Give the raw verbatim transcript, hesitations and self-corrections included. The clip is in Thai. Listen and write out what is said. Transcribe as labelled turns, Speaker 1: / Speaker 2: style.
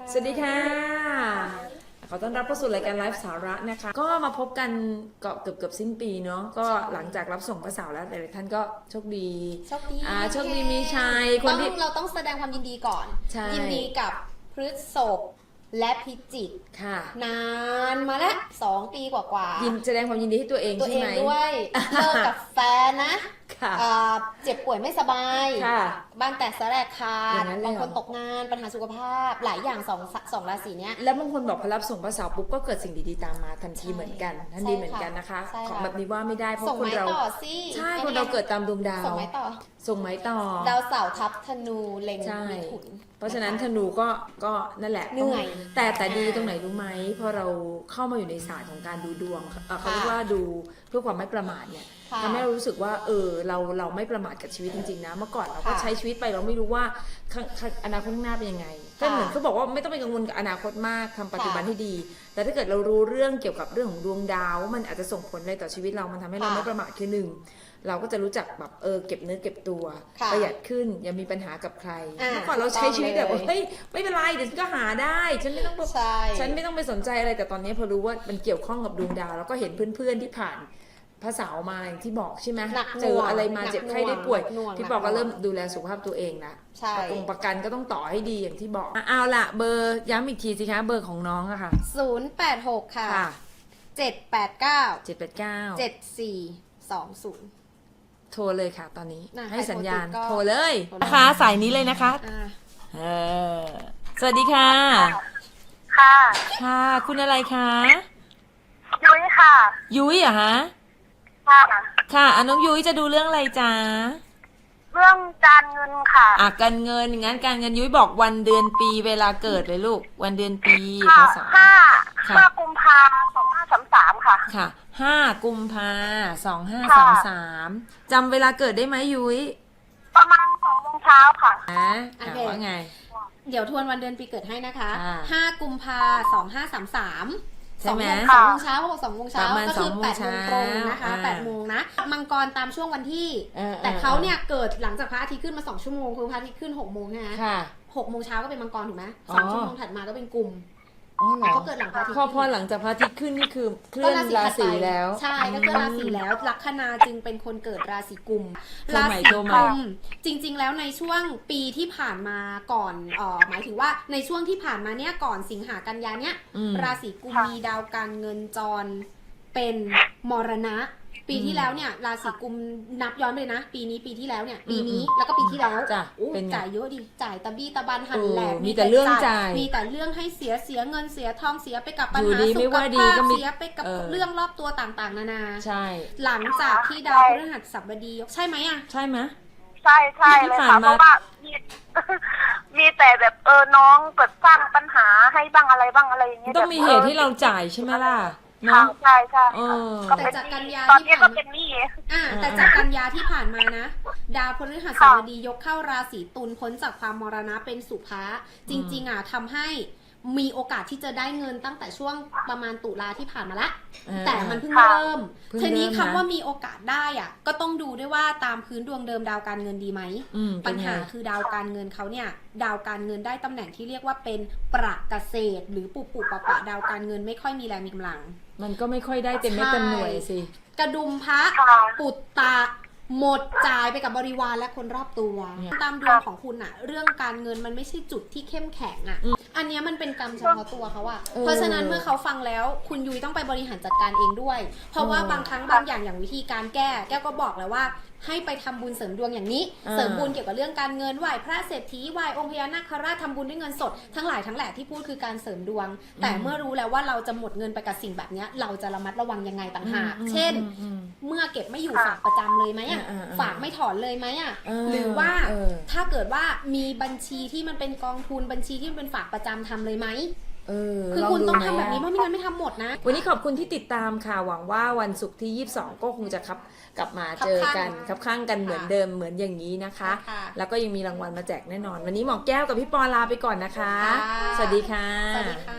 Speaker 1: สวัสดีค่ะขอต้อนรับเข้าสู่รายการไลฟ์สาระนะคะก็มาพบกันเกือบเกือบเกือบสิ้นปีเนาะก็หลังจากรับส่งพระสาวแล้วแต่ละท่านก็โชคดี
Speaker 2: โชคดี
Speaker 1: อ่าโชคดีมีชัยคนที่
Speaker 2: เราต้องแสดงความยินดีก่อนยินดีกับพฤษภและพิจิก
Speaker 1: ค่ะ
Speaker 2: นานมาแล้วสองปีกว่าๆ
Speaker 1: ยินแสดงความยินดีให้ตัวเองใช่ไหม
Speaker 2: ตัวเองด้วยเลิกกับแฟนนะเจ็บป่วยไม่สบายบ้านแตกสลายขาดบางคนตกงานปัญหาสุขภาพหลายอย่างสองสองราศีเนี้ย
Speaker 1: แล้วบางคนบอกพอรับส่งพระสาวปุ๊บก็เกิดสิ่งดีๆตามมาทันทีเหมือนกันทันทีเหมือนกันนะคะของแบบนี้ว่าไม่ได้เพราะคนเราใช่คนเราเกิดตามดวงดาว
Speaker 2: ส่งไม้ต่อ
Speaker 1: ส่งไม้ต่อ
Speaker 2: ดาวเสาร์ทับธนูเล็งมิถุน
Speaker 1: เพราะฉะนั้นธนูก็ก็นั่นแหละ
Speaker 2: เหนื่อย
Speaker 1: แต่แต่ดีตรงไหนรู้ไหมพอเราเข้ามาอยู่ในศาสตร์ของการดูดวงเขาเรียกว่าดูเพื่อความไม่ประมาทเนี่ยทำให้เรารู้สึกว่าเออเราเราไม่ประมาทกับชีวิตจริงๆนะเมื่อก่อนเราก็ใช้ชีวิตไปเราไม่รู้ว่าอนาคตข้างหน้าเป็นยังไงก็เหมือนเขาบอกว่าไม่ต้องไปกังวลกับอนาคตมากทำปัจจุบันให้ดีแต่ถ้าเกิดเรารู้เรื่องเกี่ยวกับเรื่องของดวงดาวมันอาจจะส่งผลอะไรต่อชีวิตเรามันทำให้เราไม่ประมาทคือหนึ่งเราก็จะรู้จักแบบเออเก็บเนื้อเก็บตัวประหยัดขึ้นอย่ามีปัญหากับใครเมื่อก่อนเราใช้ชีวิตแบบเฮ้ยไม่เป็นไรเดี๋ยวฉันก็หาได้ฉันไม่ต้องฉันไม่ต้องไปสนใจอะไรแต่ตอนนี้พอรู้ว่ามันเกี่ยวข้องกับดวงดาวแล้วก็เห็นเพื่อนๆที่ผ่านพระสาวมาอย่างที่บอกใช่ไหมเจออะไรมาเจ็บไข้ได้ป่วยพี่บอกก็เริ่มดูแลสุขภาพตัวเองละประกันประกันก็ต้องต่อให้ดีอย่างที่บอกเอาละเบอร์ย้ำอีกทีสิคะเบอร์ของน้องอะค่ะ
Speaker 2: ศูนย์แปดหกค่ะเจ็ดแปดเก้า
Speaker 1: เจ็ดแปดเก้า
Speaker 2: เจ็ดสี่สองศูนย์
Speaker 1: โทรเลยค่ะตอนนี้ให้สัญญาณโทรเลยนะคะสายนี้เลยนะคะเออสวัสดีค่ะ
Speaker 3: ค่ะ
Speaker 1: ค่ะคุณอะไรคะ
Speaker 3: ยุ้ยค่ะ
Speaker 1: ยุ้ยเหรอคะ
Speaker 3: ค่ะ
Speaker 1: ค่ะอ่ะน้องยุ้ยจะดูเรื่องอะไรจ๊ะ
Speaker 3: เรื่องการเงินค่ะ
Speaker 1: อ่ะการเงินงั้นการเงินยุ้ยบอกวันเดือนปีเวลาเกิดเลยลูกวันเดือนปี
Speaker 3: ภาษาห้าห้ากุมภาสองห้าสามสามค่ะ
Speaker 1: ค่ะห้ากุมภาสองห้าสามสามจำเวลาเกิดได้ไหมยุ้ย
Speaker 3: ประมาณสองโมงเช้าค่ะ
Speaker 1: อ่ะว่าไง
Speaker 2: เดี๋ยวทวนวันเดือนปีเกิดให้นะคะห้ากุมภาสองห้าสามสามสองโมงสองโมงเช้าเขาบอกสองโมงเช้าก็คือแปดโมงตรงนะคะแปดโมงนะมังกรตามช่วงวันที่แต่เขาเนี่ยเกิดหลังจากพระอาทิตย์ขึ้นมาสองชั่วโมงคือพระอาทิตย์ขึ้นหกโมงใช่ไหมหกโมงเช้าก็เป็นมังกรถูกไหมสองชั่วโมงถัดมาก็เป็นกุมเขาเกิดหลังพระอาทิตย์
Speaker 1: พอพอหลังจากพระอาทิตย์ขึ้นนี่คือเคลื่อนราศีแล้ว
Speaker 2: ใช่ก็เคลื่อนราศีแล้วลัคนาจึงเป็นคนเกิดราศีกุมราศีกุมจริงๆแล้วในช่วงปีที่ผ่านมาก่อนเอ่อหมายถึงว่าในช่วงที่ผ่านมาเนี่ยก่อนสิงหากันยาเนี่ยราศีกุมมีดาวการเงินจรเป็นมรณะปีที่แล้วเนี่ยราศีกุมนับย้อนไปเลยนะปีนี้ปีที่แล้วเนี่ยปีนี้แล้วก็ปีที่แล้วจ่ายเยอะดิจ่ายตะบี้ตะบันหันแหลก
Speaker 1: มีแต่เรื่องจ่าย
Speaker 2: มีแต่เรื่องให้เสียเสียเงินเสียทองเสียไปกับปัญหาสุขภาพเสียไปกับเรื่องรอบตัวต่างๆนานา
Speaker 1: ใช่
Speaker 2: หลังจากที่ดาวพฤหัสบดีใช่ไหมอ่ะ
Speaker 1: ใช่ไหม
Speaker 3: ใช่ใช่เลยค่ะเพราะว่ามีมีแต่แบบเออน้องเกิดสร้างปัญหาให้บ้างอะไรบ้างอะไรอย่างเงี้ย
Speaker 1: ต้องมีเหตุที่เราจ่ายใช่ไหมล่ะ
Speaker 3: เนาะใช่ใช่
Speaker 2: แต่จากกันยา
Speaker 3: ที่ผ่านมา
Speaker 2: อ่าแต่จากกันยาที่ผ่านมานะดาวพฤหัสบดียกเข้าราศีตุลพ้นจากความมรณะเป็นสุภะจริงๆอ่ะทำให้มีโอกาสที่จะได้เงินตั้งแต่ช่วงประมาณตุลาที่ผ่านมาละแต่มันเพิ่งเริ่มทีนี้คำว่ามีโอกาสได้อ่ะก็ต้องดูด้วยว่าตามพื้นดวงเดิมดาวการเงินดีไหมปัญหาคือดาวการเงินเขาเนี่ยดาวการเงินได้ตำแหน่งที่เรียกว่าเป็นประเกษตรหรือปุปุปะปะดาวการเงินไม่ค่อยมีแรงมีกำลัง
Speaker 1: มันก็ไม่ค่อยได้เต็มเม็ดเต็มหน่วยสิ
Speaker 2: กระดุมพระปุตตะหมดจ่ายไปกับบริวารและคนรอบตัวตามดวงของคุณอะเรื่องการเงินมันไม่ใช่จุดที่เข้มแข็งอะอันนี้มันเป็นกรรมเฉพาะตัวเขาอะเพราะฉะนั้นเมื่อเขาฟังแล้วคุณยุ้ยต้องไปบริหารจัดการเองด้วยเพราะว่าบางครั้งบางอย่างอย่างวิธีการแก้แก้วก็บอกแล้วว่าให้ไปทำบุญเสริมดวงอย่างนี้เสริมบุญเกี่ยวกับเรื่องการเงินไหว้พระเศรษฐีไหว้องค์พญานาคราชทำบุญด้วยเงินสดทั้งหลายทั้งแหล่ที่พูดคือการเสริมดวงแต่เมื่อรู้แล้วว่าเราจะหมดเงินไปกับสิ่งแบบนี้เราจะระมัดระวังยังไงต่างหากเช่นเมื่อเก็บไม่อยู่ฝากประจำเลยไหมอ่ะฝากไม่ถอนเลยไหมอ่ะหรือว่าถ้าเกิดว่ามีบัญชีที่มันเป็นกองทุนบัญชีที่มันเป็นฝากประจำทำเลยไหมคือคุณต้องทำแบบนี้เพราะไม่งั้นไม่ทำหมดนะ
Speaker 1: วันนี้ขอบคุณที่ติดตามค่ะหวังว่าวันศุกร์ที่ยี่สิบสองก็คงจะครับกลับมาเจอกันคับข้างกันเหมือนเดิมเหมือนอย่างนี้นะคะแล้วก็ยังมีรางวัลมาแจกแน่นอนวันนี้หมอแก้วกับพี่ปอลาไปก่อนนะคะสวัสดีค่ะ